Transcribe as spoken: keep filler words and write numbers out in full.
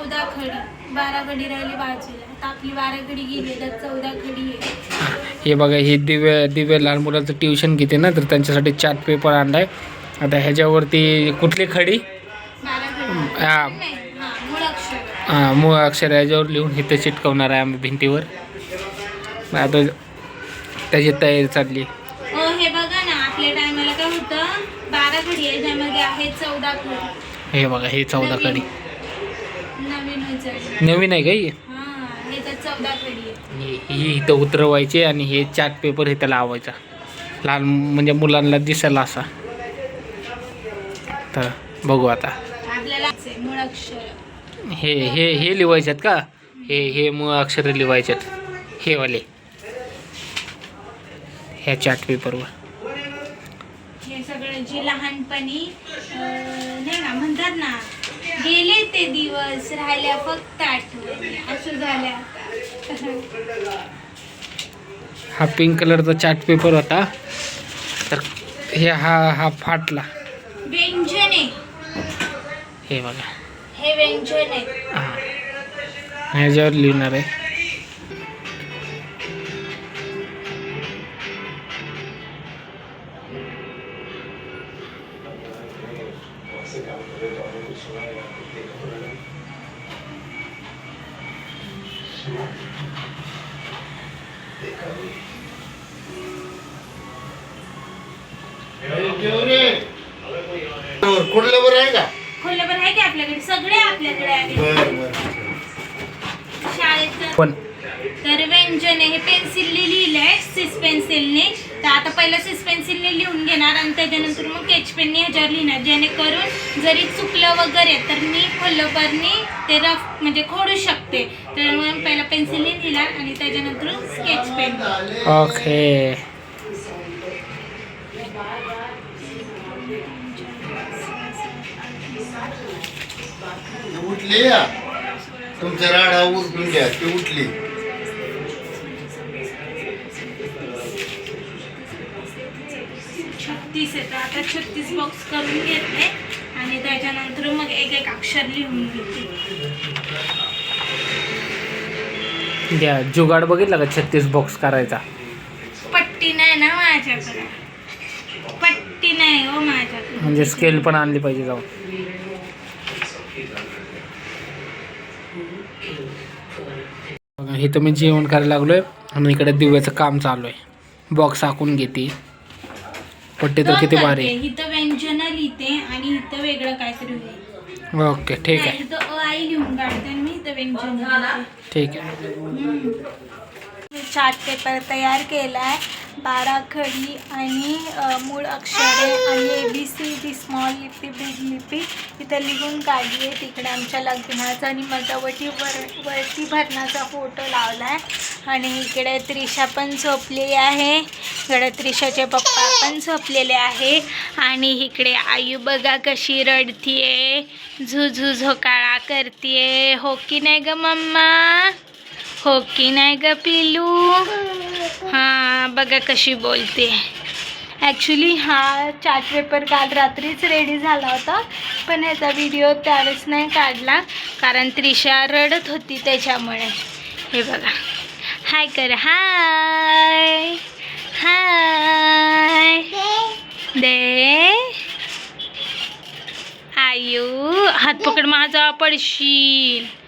चौदा खडी, बारा खडी राहिली बाजूला. आता आपली बारा खडी गेली तर चौदा खडी आहे. हे बघा, हे दिव्य दिव्य लहान मुलाचं ट्युशन घेते ना, तर त्यांच्यासाठी चार्ट पेपर आणलाय. आता ह्याच्यावरती कुठली खडी, बारा खडी हा नाही, हा, मूळ अक्षर. हां मूळ अक्षर ह्याच्यावर लिहून इथं चिटकवणार आहे आम्ही भिंतीवर. आता त्याची तयारी चालली. हो, हे बघा ना, आपल्या टायमाला काय होतं, बारा खडी आहे ज्यामध्ये आहे चौदा खडी. हे बघा, हे चौदा खडी नवीन होतं. नवीन आहे का ही? हा, हे तर चौदा खडी आहे. ही ही इथं उतरवायची आणि हे चार्ट पेपर इथं लावायचा, लहान म्हणजे मुलांना दिसायला असा. तर बघू आता. आपल्याला मूळ अक्षर हे हे हे लिवायच्यात का? हे हे मूळ अक्षर लिवायच्यात हे वाले ह्या चार्ट पेपरवर. हे सगळं जे लहानपणी नाही का म्हणतात ना, गेले ते दिवस राहिल्या फक्त आठवणी, असं झालं आता. हा पिंक कलरचा चार्ट पेपर होता, तर हे हा हा फाटला. व्यंजने, हे बघा, हे व्यंजन आहे. हां ह्याच्यावर लिहिणार आहे. खोडल्यावर आहे का? खोलबर आहे की आपल्याकडे, सगळे आपल्याकडे आहे शाळेत. पण तर व्यंजन हे पेन्सिलने लिहिलंय, सिस पेन्सिलने. तर आता पहिलं सिस पेन्सिलने लिहून घेणार आणि त्याच्यानंतर मग स्केच पेनने ह्याच्यावर लिहिणार, जेणेकरून जरी चुकलं वगैरे तर मी खोलबरने ते रफ म्हणजे खोडू शकते. तर मग पहिला पेन्सिलने लिहिणार आणि त्याच्यानंतर स्केच पेन. ओके. उठली या तुमच्या राडा उठून घ्या, ती उठली. छत्तीस येतं, आता छत्तीस बॉक्स करून घेते आणि त्याच्यानंतर मग एक एक अक्षर लिहून घेते. द्या जुगाड बघितला का छत्तीस बॉक्स करायचा? पट्टी नाही ना माझ्याकडे, पट्टी नाही हो माझ्याकडे. म्हणजे स्केल पण आणली पाहिजे जाऊन. बघा, इथं मी जेवण करायला लागलोय आणि इकडे दिव्याचं काम चालू आहे. बॉक्स आखून घेते. पट्टी तर किती भारी आहे. इथं व्यंजन लिहिते आणि इथं वेगळं काहीतरी होईल. ओके ठीक आहे, इथं अ आई लिहून काढते आणि मी इथं व्यंजन लिहिते. ठीक आहे. चार्ट पेपर तयार केला आहे, बारा खडी आणि मूळ अक्षरे आणि A B C D small लिपी बिग लिपी इथं लिहून काढली आहे. तिकडे आमच्या लग्नाचा आणि मजावटी वर वरती भरणाचा फोटो लावला आहे. आणि इकडे त्रिशा पण झोपलेली आहे, इकडे त्रिशाचे पप्पा पण झोपलेले आहे. आणि इकडे आयु बघा कशी रडतीये, झुझू झोकाळा करतीये. हो की नाही ग मम्मा, हो की नाही ग पिलू. हां बघा कशी बोलते. ॲक्च्युली हा चार्ट पेपर काल रात्रीच रेडी झाला होता, पण याचा व्हिडिओ त्यावेळेस नाही काढला कारण त्रिशा रडत होती त्याच्यामुळे. हे बघा, हाय कर, हाय हाय दे. आयू हात पकड माझा, पडशील.